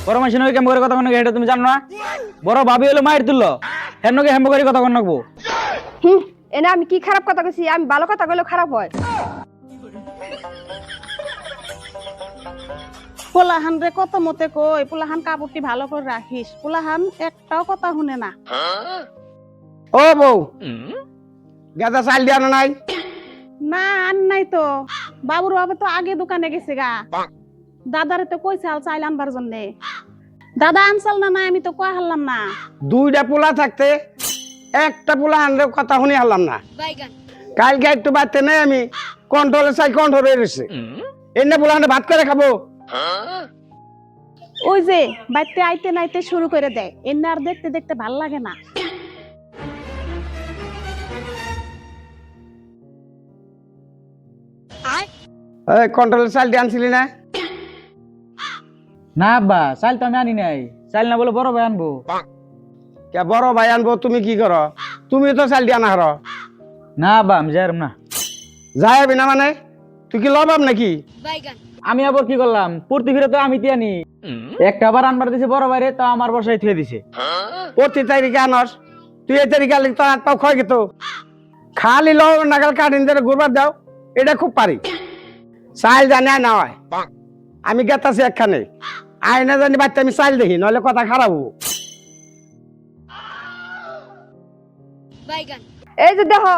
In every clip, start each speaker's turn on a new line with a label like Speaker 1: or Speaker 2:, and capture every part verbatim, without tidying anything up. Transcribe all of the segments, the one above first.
Speaker 1: বড় মাসি নয় কেমন করে কথা কন এটা তুমি জানো না? বড় ভাবি হলো মায়ের তুললো হেন নকে হেম্ব করে কথা কন নাকবো।
Speaker 2: হুম এনে আমি কি খারাপ কথা কইছি? আমি ভালো কথা কইলে খারাপ হয়?
Speaker 3: পোলাহান রে কত মতে কই পোলাহান কাপড়টি ভালো করে রাখিস, পোলাহান একটাও কথা শুনে না।
Speaker 4: ও বউ, গেদা চাল দিয়া নাই?
Speaker 3: না আন নাই তো, বাবুর বাবা তো আগে দোকানে গেছে গা। দাদারে তো কইছে আল চাইল আনবার জন্য। দাদা আনসাল না নাই আমি তো কয়া হারলাম না।
Speaker 4: দুইটা পোলা থাকতে একটা পোলা আনলে কথা শুনি হারলাম না। কালকে একটু বাড়তে নেই আমি কন্ট্রোলে চাই কন্ট্রোলে রয়েছে এনে পোলা আনলে ভাত করে খাবো।
Speaker 3: ওই যে বাইতে আইতে নাইতে শুরু করে দেয়, এনে আর দেখতে দেখতে ভাল লাগে না।
Speaker 4: কন্ট্রোলে চাল দিয়ে আনছিলি না?
Speaker 1: না আব্বা চাল তো আমি আনি নাই, চাল না বলে বড় ভাই আনবো।
Speaker 4: কে বড় ভাই আনবো তুমি কি করো? তুমি তো চাল দিয়া না হার।
Speaker 1: না আব্বা আমি যাইরাম না।
Speaker 4: যাইবি না মানে তুই কি লবাব নাকি?
Speaker 1: আমি আবার কি করলাম, প্রতি ফিরে তো আমি তিয়ানি একটা আবার আনবার দিছে বড় ভাইরে, তো আমার বর্ষায় থুয়ে দিছে।
Speaker 4: প্রতি তারিখে আনস তুই এই তারিখে আনলি তোর হাত পাও ক্ষয় গেত। খালি লব নাগাল কাটিন ধরে ঘুরবার দাও, এটা খুব পারি। চাল জানি আর না হয় আমি গেতাছি একখানে আয়না জানি বাচ্চা আমি চাল দেখি নইলে কথা খারাপ হবো।
Speaker 2: এই যে দেখো,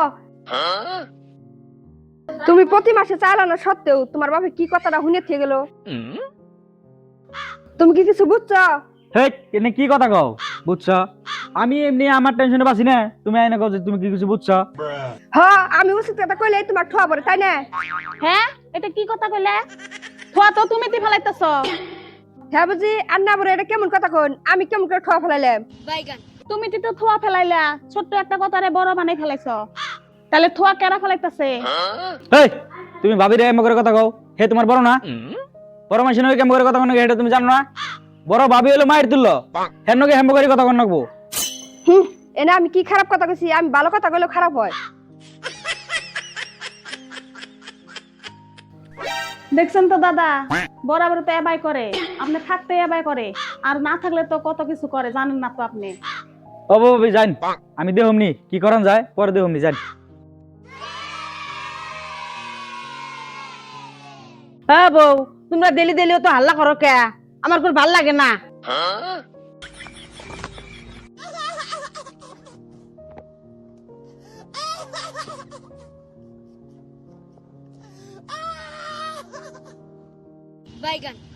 Speaker 2: তুমি প্রতি মাসে চাল আনো সত্ত্বেও তোমার বাপে কি কথাটা শুনে থেকে গেল? তুমি কি কিছু বুঝছো?
Speaker 1: হেই এনে কি কথা কও বুঝছো? আমি এমনি আমার টেনশনে বাসি না, তুমি আইনা কও যে তুমি কি কিছু বুঝছো?
Speaker 2: হ্যাঁ আমি উচিত কথা কইলে তোমার ঠোয়া পড়ে, তাই না?
Speaker 3: হ্যাঁ এটা কি কথা কইলে? থোয়া তো তুমি তি ফেলাইতেছ।
Speaker 2: হ্যাঁ বুঝি আর না বলে এটা কেমন কথা কোন? আমি কেমন করে ঠোয়া ফেলাইলাম?
Speaker 3: তুমি তি তো থোয়া ফেলাইলা, ছোট্ট একটা কথারে বড় বানাই ফেলাইছ। তাহলে থোয়া কেরা ফেলাইতেছে?
Speaker 1: হেই তুমি ভাবি রে এমন করে কথা কও, হে তোমার বড় না? বড় মাসি নয় কেমন করে কথা কন এটা তুমি জানো না? বড় ভাবি হলো মায়ের তুললো হেন নকে হেম্ব করে কথা কন নাকবো।
Speaker 2: হুম এনে আমি কি খারাপ কথা কইছি? আমি ভালো কথা কইলে খারাপ হয়?
Speaker 3: দেখছেন তো দাদা, বরাবর তো এবাই করে, আপনি থাকতে এবাই করে, আর না থাকলে তো কত কিছু করে জানেন না তো আপনি।
Speaker 1: ও ভাবি জান আমি দেহমনি কি করান যায় পরে দেহমনি জান।
Speaker 5: হ্যাঁ বউ, তোমরা ডেলি ডেলিও তো হাল্লা করো কে? আমার খুব ভাল লাগে না।
Speaker 6: Bye, gun.